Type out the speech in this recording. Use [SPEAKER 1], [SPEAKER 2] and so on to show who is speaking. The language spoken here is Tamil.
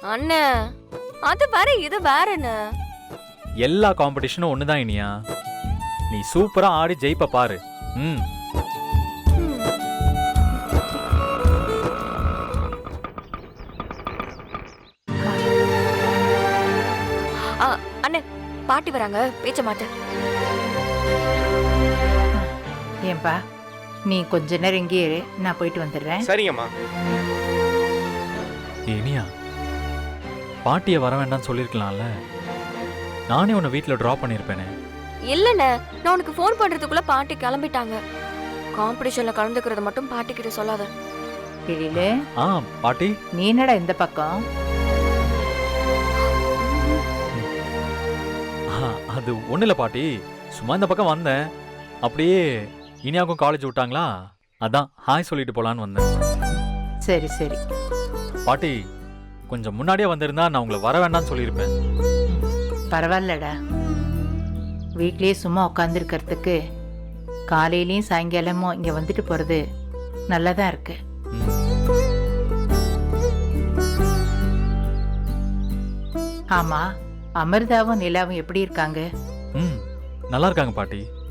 [SPEAKER 1] அண்ணே அது வேற இது வேறண்ணே.
[SPEAKER 2] எல்லா காம்படிஷனும் ஒண்ணுதான் இனியா. நீ சூப்பரா ஆடி ஜெயிப்ப பாரு. ம்.
[SPEAKER 1] அண்ணே பாட்டி வராங்க, பேச்ச மாட்ட.
[SPEAKER 3] ஏன்பா நீ கொஞ்ச நேரம் இங்கேயே இரு, நான் போயிட்டு வந்துடுறேன்.
[SPEAKER 4] சரிங்கம்மா.
[SPEAKER 2] இனியா, பாட்டியை வர வேண்டாம்னு சொல்லியிருக்கலாம்ல. நானே உன்னை வீட்டில் ட்ராப் பண்ணியிருப்பேனே.
[SPEAKER 1] இல்லண்ணே, நான் உனக்கு ஃபோன் பண்றதுக்குள்ள பாட்டி கிளம்பிட்டாங்க. காம்படிஷன்ல கலந்துக்கிறத மட்டும் பாட்டி கிட்ட சொல்லாத.
[SPEAKER 3] எழிலு,
[SPEAKER 2] ஆ பாட்டி.
[SPEAKER 3] நீ என்னடா இந்த பக்கம்?
[SPEAKER 2] அது ஒன்றும் இல்லை பாட்டி, சும்மா இந்த பக்கம் வந்தேன். அப்படியே இனியாவுக்கும் காலேஜ் விட்டாங்களா, அதான் ஹாய் சொல்லிட்டு போலான்னு வந்தேன்.
[SPEAKER 3] சரி சரி
[SPEAKER 2] பாட்டி, கொஞ்சம் முன்னாடியே வந்திருந்தா நான் உங்களை வர வேண்டாம்னு சொல்லியிருப்பேன்.
[SPEAKER 3] பரவாயில்லடா, வீட்லயே சும்மா உட்காந்துருக்கிறதுக்கு காலையிலயும் சாயங்காலமும் இங்க வந்துட்டு போறது நல்லதா இருக்கு. ஆமா, அமிர்தாவும் நிலாவும் எப்படி இருக்காங்க?
[SPEAKER 2] ம், நல்லா இருக்காங்க பாட்டி.